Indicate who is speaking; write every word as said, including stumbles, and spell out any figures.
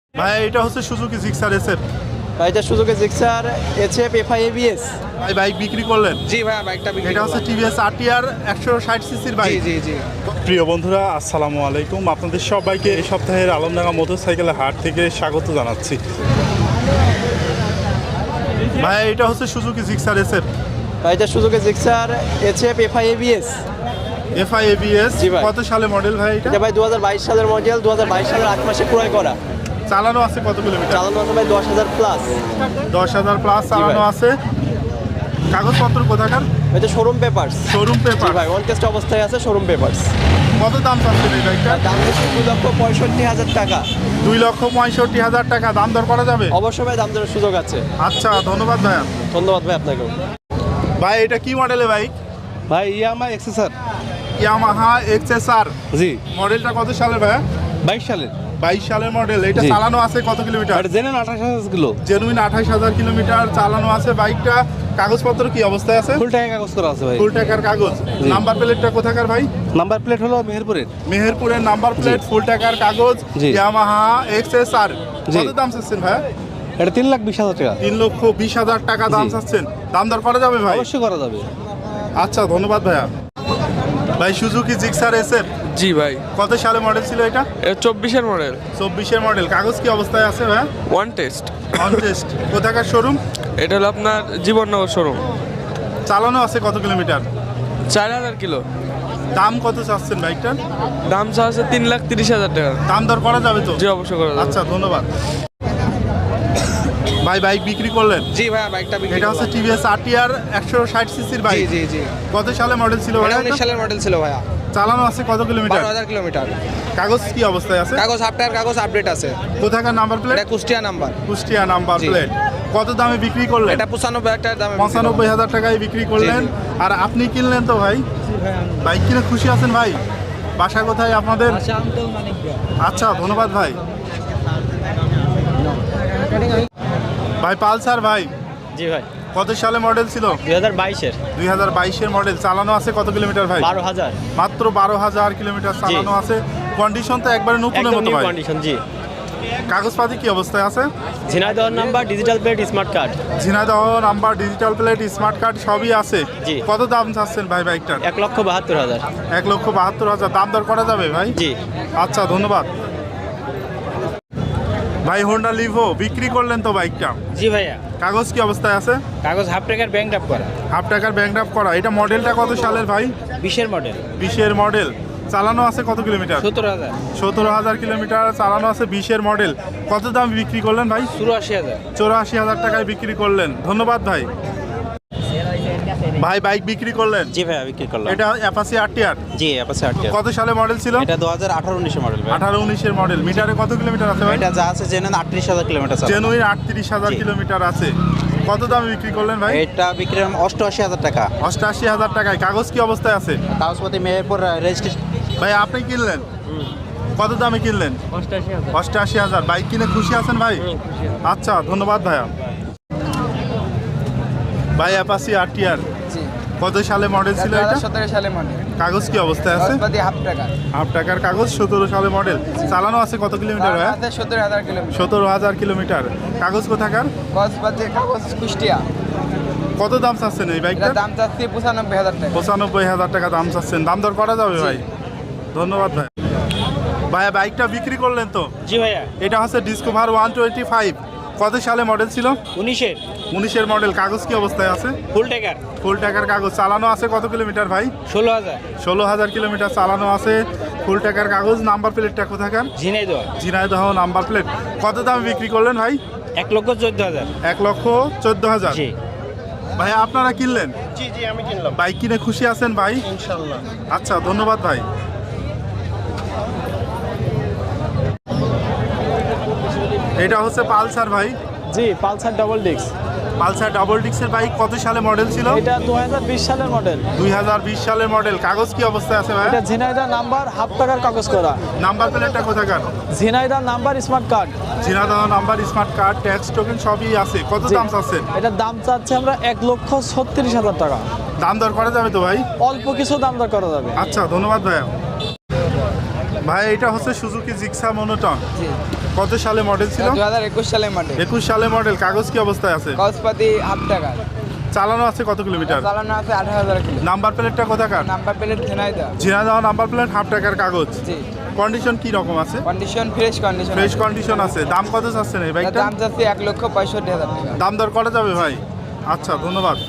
Speaker 1: ভাই এটা হচ্ছে সুজুকি জিক্সার এসএফ।
Speaker 2: ভাই এটা Suzuki Gixxer S F F I A B S.
Speaker 1: ভাই বাইক বিক্রি করলেন?
Speaker 2: জি ভাই বাইকটা বিক্রি
Speaker 1: এটা হচ্ছে টিভিএস আরটিআর একশো ষাট সিসির বাইক।
Speaker 2: জি জি জি।
Speaker 1: প্রিয় বন্ধুরা আসসালামু আলাইকুম, আপনাদের সবাইকে এই সপ্তাহের আলমডাঙ্গা মোটরসাইকেলের হাট থেকে স্বাগত জানাচ্ছি। ভাই এটা হচ্ছে সুজুকি জিক্সার এসএফ।
Speaker 2: ভাই এটা Suzuki Gixxer S F F I A B S.
Speaker 1: F I A B S
Speaker 2: জি ভাই।
Speaker 1: কত সালে মডেল ভাই এটা?
Speaker 2: এটা ভাই দু হাজার বাইশ সালের মডেল, দু হাজার বাইশ সালের আট মাসে ক্রয় করা।
Speaker 1: চালানো আছে কত কিলোমিটার?
Speaker 2: চালানো আছে ভাই দশ হাজার প্লাস।
Speaker 1: দশ হাজার প্লাস চালানো আছে। কাগজপত্র কোথাকার?
Speaker 2: এটা শোরুম পেপারস।
Speaker 1: শোরুম
Speaker 2: জি
Speaker 1: পেপার।
Speaker 2: ভাই ওয়ান টেস্ট অবস্থায় আছে, শোরুম পেপারস।
Speaker 1: কত দাম চাচ্ছেন এই বাইকটা?
Speaker 2: দাম হচ্ছে দুই লক্ষ পঁয়ষট্টি হাজার টাকা।
Speaker 1: দুই লক্ষ পঁয়ষট্টি হাজার টাকা দাম দর করা যাবে?
Speaker 2: অবশ্যই ভাই দাম দেওয়ার সুযোগ আছে।
Speaker 1: আচ্ছা ধন্যবাদ ভাইয়া।
Speaker 2: ধন্যবাদ ভাই আপনাকেও।
Speaker 1: ভাই এটা কি মডেলের বাইক?
Speaker 3: ভাই ইয়ামা এক্সেসার।
Speaker 1: Yamaha XSR.
Speaker 3: জি
Speaker 1: মডেলটা কত সালের ভাইয়া?
Speaker 3: বাইশ সালের।
Speaker 1: বাইশ সালের মডেল। এটা
Speaker 3: জি।
Speaker 1: চালানো আছে কত কিলোমিটার?
Speaker 3: আর জেনেন আঠাশ হাজার কিলো।
Speaker 1: জেনুইন আঠাশ হাজার কিলোমিটার চালানো আছে বাইকটা। কাগজপত্র কি অবস্থায় আছে?
Speaker 3: ফুল টাকা কাগজ করা আছে ভাই।
Speaker 1: ফুল টাকার কাগজ।
Speaker 3: জি।
Speaker 1: নাম্বার প্লেটটা কোথাকার ভাই?
Speaker 3: নাম্বার প্লেট হলো মেহেরপুরের।
Speaker 1: মেহেরপুরের নাম্বার প্লেট, ফুল টাকার কাগজ,
Speaker 3: জি।
Speaker 1: Yamaha XSR.
Speaker 3: জি।
Speaker 1: কত দাম চাচ্ছেন ভাইয়া?
Speaker 3: এটা তিন লাখ বিশ হাজার টাকা।
Speaker 1: তিন লক্ষ বিশ হাজার টাকা দাম
Speaker 3: জি।
Speaker 1: চাচ্ছেন। দাম দর করা যাবে ভাই?
Speaker 3: অবশ্যই করা যাবে।
Speaker 1: আচ্ছা ধন্যবাদ ভাইয়া। ভাই সুজুকি জিক্সার এসএফ
Speaker 4: জি ভাই,
Speaker 1: কত সালে মডেল ছিল এটা?
Speaker 4: এটা চব্বিশের মডেল,
Speaker 1: চব্বিশের মডেল। কাগজ কি অবস্থায় আছে ভাইয়া?
Speaker 4: One test.
Speaker 1: On test. কোথাকার শোরুম?
Speaker 4: এটা হলো আপনার জীবননগর শোরুম।
Speaker 1: চালানো আছে কত কিলোমিটার?
Speaker 4: চার হাজার কিলো।
Speaker 1: দাম কত চাচ্ছেন বাইকটার?
Speaker 4: দাম চা আছে তিন লাখ তিরিশ হাজার টাকা।
Speaker 1: দাম দর করা যাবে তো?
Speaker 4: জি অবশ্যই করা যাবে।
Speaker 1: আচ্ছা ধন্যবাদ ভাই। বাইক বিক্রি করলেন?
Speaker 2: জি ভাই বাইকটা বিক্রি
Speaker 1: এটা হচ্ছে টিভিএস আরটিআর একশো ষাট সিসির বাইক।
Speaker 2: জি জি।
Speaker 1: কত সালে মডেল ছিল ভাই?
Speaker 2: এটা উনিশ সালের মডেল ছিল ভাইয়া।
Speaker 1: চালানো আছে কত কিলোমিটার?
Speaker 2: বারো হাজার কিলোমিটার।
Speaker 1: কাগজ কি অবস্থায় আছে?
Speaker 2: কাগজ হাফ টায়ার কাগজ আপডেট আছে।
Speaker 1: কোথাকার নাম্বার প্লেট?
Speaker 2: এটা কুষ্টিয়া নাম্বার।
Speaker 1: কুষ্টিয়া নাম্বার
Speaker 2: জি।
Speaker 1: প্লেট। কত দামে বিক্রি করলেন?
Speaker 2: এটা পঁচানব্বই হাজার টাকার দামে বিক্রি
Speaker 1: পঁচানব্বই হাজার টাকায় বিক্রি করলেন। আর আপনি কিনলেন তো ভাই? বাইক কিনে খুশি আছেন ভাই? বাসা কোথায় আপনাদের? আচ্ছা ধন্যবাদ ভাই। ভাই পালসার ভাই
Speaker 2: জি ভাই
Speaker 1: কত সালে মডেল ছিল?
Speaker 2: দুই হাজার বাইশের।
Speaker 1: দুই হাজার বাইশের মডেল। চালানো আছে কত কিলোমিটার ভাই?
Speaker 2: বারো হাজার।
Speaker 1: মাত্র বারো হাজার কিলোমিটার চালানো আছে। কন্ডিশন তো একবারে নতুনের
Speaker 2: একদম
Speaker 1: মতো
Speaker 2: নিউ
Speaker 1: ভাই।
Speaker 2: কন্ডিশন। জি।
Speaker 1: কাগজপাতি কি অবস্থায় আছে?
Speaker 2: Jhenaidah number, digital plate, smart card.
Speaker 1: Jhenaidah number, digital plate, smart card সবই আছে।
Speaker 2: জি।
Speaker 1: কত দাম চাচ্ছেন ভাই বাইকটার?
Speaker 2: এক লক্ষ বাহাত্তর হাজার।
Speaker 1: এক লক্ষ বাহাত্তর হাজার দাম দর করা যাবে ভাই?
Speaker 2: জি।
Speaker 1: আচ্ছা ধন্যবাদ ভাই। হোন্ডা লিভো বিক্রি করলেন তো বাইকটা?
Speaker 2: জি ভাইয়া।
Speaker 1: কাগজ কি অবস্থায় আছে?
Speaker 2: কাগজ হাফ টাকার ব্যাংক ড্রাফট করা।
Speaker 1: হাফ টাকার ব্যাংক ড্রাফট করা। এটা মডেলটা কত সালের ভাই?
Speaker 2: বিশের মডেল।
Speaker 1: বিশের মডেল। চালানো আছে কত কিলোমিটার?
Speaker 2: সত্তর হাজার।
Speaker 1: সতেরো হাজার কিলোমিটার চালানো আছে। বিশের মডেল। কত দাম বিক্রি করলেন ভাই?
Speaker 2: চুরাশি হাজার।
Speaker 1: চৌরাশি হাজার টাকায় বিক্রি করলেন। ধন্যবাদ ভাই। ভাই বাইক বিক্রি করলেন?
Speaker 5: জি ভাইয়া বিক্রি করলাম।
Speaker 1: এটা অ্যাপাচি আরটিআর।
Speaker 5: জি অ্যাপাচি আরটিআর।
Speaker 1: কত সালে মডেল ছিল?
Speaker 5: এটা দু হাজার আঠারো উনিশের মডেল ভাই।
Speaker 1: আঠারো উনিশের মডেল। মিটারে কত কিলোমিটার আছে ভাই?
Speaker 5: এটা যা আছে জেনে আটত্রিশ হাজার কিলোমিটার চালানো।
Speaker 1: জেনুইন আটত্রিশ হাজার
Speaker 5: জি।
Speaker 1: কিলোমিটার আছে। কত দামে বিক্রি করলেন ভাই?
Speaker 5: এটা বিক্রি দাম অষ্টআশি হাজার টাকা।
Speaker 1: অষ্টাশি হাজার টাকায়। কাগজ কি অবস্থায় আছে?
Speaker 5: কাগজপত্র মেহেরপুর রেজিস্ট্রেশন।
Speaker 1: ভাই আপনি কিনলেন? কত দামে কিনলেন? অষ্টাশি হাজার। বাইক কিনে খুশি আছেন ভাই? আচ্ছা ধন্যবাদ ভাইয়া। ভাই অ্যাপাচি আরটিআর কত সালে মডেল ছিল এটা?
Speaker 2: সতেরো সালে মডেল।
Speaker 1: কাগজ কি অবস্থায় আছে?
Speaker 2: হাফ টাকা।
Speaker 1: হাফ টাকার কাগজ। সতেরো সালে মডেল। চালানো আছে কত কিলোমিটার ভাইয়া?
Speaker 2: সত্তর হাজার কিলোমিটার।
Speaker 1: সতেরো হাজার কিলোমিটার। কাগজ কোথাকার?
Speaker 2: কসবাতে কাগজ কুষ্টিয়া।
Speaker 1: কত দাম চাচ্ছেন এই বাইকটার?
Speaker 2: দাম চাচ্ছি পঁচানব্বই হাজার টাকা।
Speaker 1: পঁচানব্বই হাজার টাকা দাম চাচ্ছেন। দাম দর করা যাবে ভাই? ধন্যবাদ ভাই। ভাইয়া বাইকটা বিক্রি করলেন তো?
Speaker 2: জি ভাইয়া।
Speaker 1: এটা হচ্ছে ডিসকভার ওয়ান টোয়েন্টি ফাইভ। কত সালে মডেল ছিল?
Speaker 2: উনিশের।
Speaker 1: উনিশের মডেল। কাগজ কি অবস্থায় আছে?
Speaker 2: ফুল টাকার।
Speaker 1: ফুল টাকার কাগজ। চালানো আছে কত কিলোমিটার ভাই?
Speaker 2: ষোলো হাজার।
Speaker 1: ষোলো হাজার কিলোমিটার চালানো আছে। ফুল টাকার কাগজ। নাম্বার প্লেটটা কোথাকার?
Speaker 2: ঝিনাইদহ।
Speaker 1: Jhenaidah number plate. কত দামে বিক্রি করলেন ভাই?
Speaker 2: এক লক্ষ চোদ্দ হাজার।
Speaker 1: এক লক্ষ চোদ্দ হাজার।
Speaker 2: জি।
Speaker 1: ভাই আপনারা কিনলেন?
Speaker 3: জি জি আমি কিনলাম।
Speaker 1: বাইক কিনে খুশি আছেন ভাই?
Speaker 3: ইনশাআল্লাহ।
Speaker 1: আচ্ছা ধন্যবাদ ভাই। এটা হচ্ছে পালসার ভাই।
Speaker 6: জি Pulsar double disc.
Speaker 1: Pulsar double ডিক্সের বাইক কত সালে মডেল ছিল?
Speaker 6: এটা দু হাজার বিশ সালের মডেল।
Speaker 1: দুই হাজার বিশ সালের মডেল। কাগজ কি অবস্থায় আছে ভাই?
Speaker 6: এটা ঝিনাইদহ নাম্বার, হাফ টাকার কাগজ করা।
Speaker 1: নাম্বার প্লেটটা কোথাকার?
Speaker 6: Jhenaidah number, smart card.
Speaker 1: Jhenaidah number, smart card, tax token সবই আছে। কত
Speaker 6: জি।
Speaker 1: দাম চাচ্ছেন?
Speaker 6: এটার দাম চাচ্ছি আমরা এক লক্ষ ছত্রিশ হাজার টাকা।
Speaker 1: দাম দর করা যাবে তো ভাই?
Speaker 6: অল্প কিছু দাম দর করা যাবে।
Speaker 1: আচ্ছা ধন্যবাদ ভাইয়া। ভাই এটা হচ্ছে সুজুকি জিক্সা মনোটন
Speaker 7: জি
Speaker 1: কত সালে মডেল ছিল?
Speaker 7: দু হাজার একুশ সালের মডেল।
Speaker 1: একুশ সালে মডেল। কাগজ কি অবস্থায় আছে?
Speaker 7: কাগজপাতি হাফ টাকা।
Speaker 1: চালানো আছে কত কিলোমিটার?
Speaker 7: চালানো আছে আঠারো হাজার কিলো।
Speaker 1: নাম্বার প্লেটটা কোথাকার?
Speaker 7: Number plate Jhenaidah.
Speaker 1: Jhenaidah number plate, half টাকার কাগজ।
Speaker 7: জি
Speaker 1: কন্ডিশন কি রকম আছে?
Speaker 7: Condition fresh condition.
Speaker 1: Fresh condition আছে। দাম কত চাচ্ছেন এই বাইকটা?
Speaker 7: দাম যাচ্ছে এক লক্ষ পঁয়ষট্টি হাজার টাকা।
Speaker 1: দাম দর করা যাবে ভাই? আচ্ছা ধন্যবাদ।